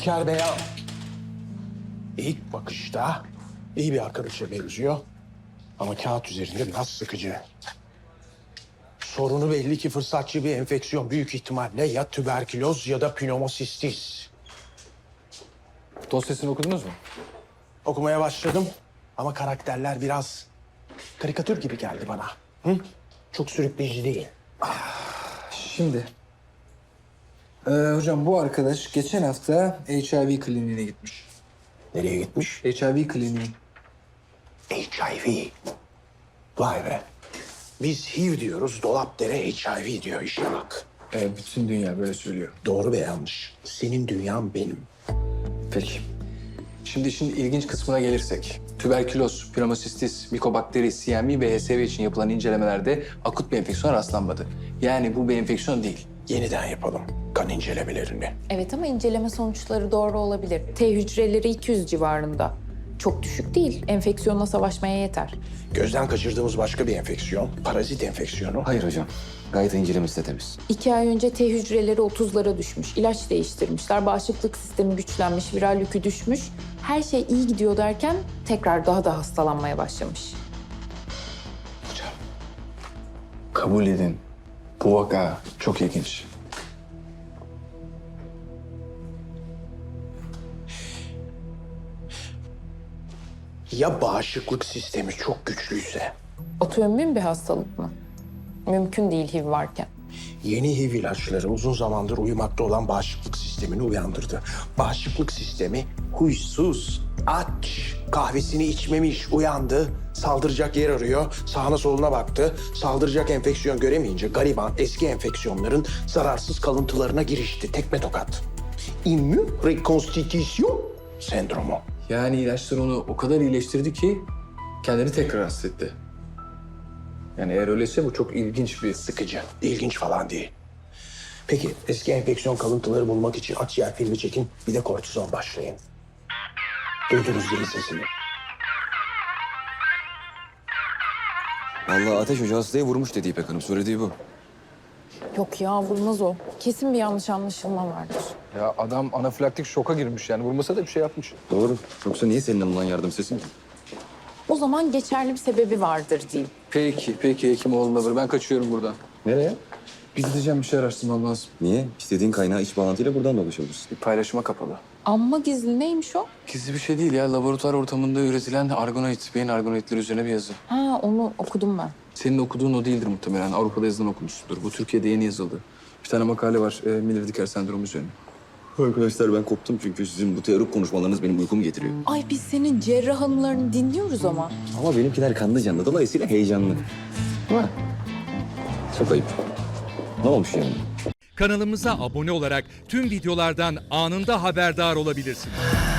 İlker Bey'e ilk bakışta iyi bir arkadaşa benziyor. Ama kağıt üzerinde biraz sıkıcı. Sorunu belli ki fırsatçı bir enfeksiyon. Büyük ihtimalle ya tüberküloz ya da pnömosistis. Dosyasını okudunuz mu? Okumaya başladım ama karakterler biraz karikatür gibi geldi bana. Hı? Çok sürükleyici değil. Şimdi. Hocam bu arkadaş geçen hafta HIV kliniğine gitmiş. Nereye gitmiş? HIV kliniği. HIV. Vay be. Biz HIV diyoruz, Dolapdere HIV diyor, işe bak. Bütün dünya böyle söylüyor. Doğru ve yanlış. Senin dünyan benim. Peki. Şimdi işin ilginç kısmına gelirsek. Tüberküloz, pnömosistis, mikobakteri, CMV ve HSV için yapılan incelemelerde akut bir enfeksiyon rastlanmadı. Yani bu bir enfeksiyon değil. Yeniden yapalım kan incelemelerini. Evet ama inceleme sonuçları doğru olabilir. T hücreleri 200 civarında. Çok düşük değil. Enfeksiyonla savaşmaya yeter. Gözden kaçırdığımız başka bir enfeksiyon, parazit enfeksiyonu. Hayır hocam. Gayet incelemesi de temiz. 2 ay önce T hücreleri 30'lara düşmüş. İlaç değiştirmişler. Bağışıklık sistemi güçlenmiş. Viral yükü düşmüş. Her şey iyi gidiyor derken tekrar daha da hastalanmaya başlamış. Hocam. Kabul edin. Bu vaka çok ilginç. Ya bağışıklık sistemi çok güçlüyse? Otoimmün bir hastalık mı? Mümkün değil HIV varken. Yeni HIV ilaçları uzun zamandır uyumakta olan bağışıklık sistemini uyandırdı. Bağışıklık sistemi huysuz, aç, kahvesini içmemiş, uyandı. Saldıracak yer arıyor, sağına soluna baktı. Saldıracak enfeksiyon göremeyince gariban eski enfeksiyonların zararsız kalıntılarına girişti. Tekme tokat. İmmün rekonstitüsyon sendromu. Yani ilaçlar onu o kadar iyileştirdi ki kendini tekrar hasta etti. Yani eğer öyleyse bu çok ilginç bir... Sıkıcı, ilginç falan değil. Peki eski enfeksiyon kalıntıları bulmak için akciğer filmi çekin, bir de kortizon başlayın. Duydunuz değil sesini. Vallahi Ateş Hoca hastayı vurmuş dedi İpek Hanım. Söylediği bu. Yok ya vurmaz o. Kesin bir yanlış anlaşılma vardır. Ya adam anafilaktik şoka girmiş yani. Vurmasa da bir şey yapmış. Doğru. Yoksa niye senin alınan yardım sesin ki? O zaman geçerli bir sebebi vardır diyeyim. Peki Hekimoğlu'na ver. Ben kaçıyorum buradan. Nereye? Bir gideceğim bir şey araştırmam lazım. Niye? İstediğin kaynağı iç bağlantıyla buradan da ulaşabilirsin. Bir paylaşıma kapalı. Amma gizli neymiş o? Gizli bir şey değil ya. Laboratuvar ortamında üretilen argonoid, beyin argonoidleri üzerine bir yazı. Ha onu okudum ben. Senin okuduğun o değildir muhtemelen. Avrupa'da yazılan okumuşsundur. Bu Türkiye'de yeni yazıldı. Bir tane makale var. Miller-Dicker sendromu üzerine. Arkadaşlar ben koptum çünkü sizin bu teorik konuşmalarınız benim uykumu getiriyor. Ay biz senin cerrah anılarını dinliyoruz ama. Ama benimkiler kanlı canlı. Dolayısıyla heyecanlı. Değil mi? Çok ayıp. Ne olmuş yani? Kanalımıza abone olarak tüm videolardan anında haberdar olabilirsiniz.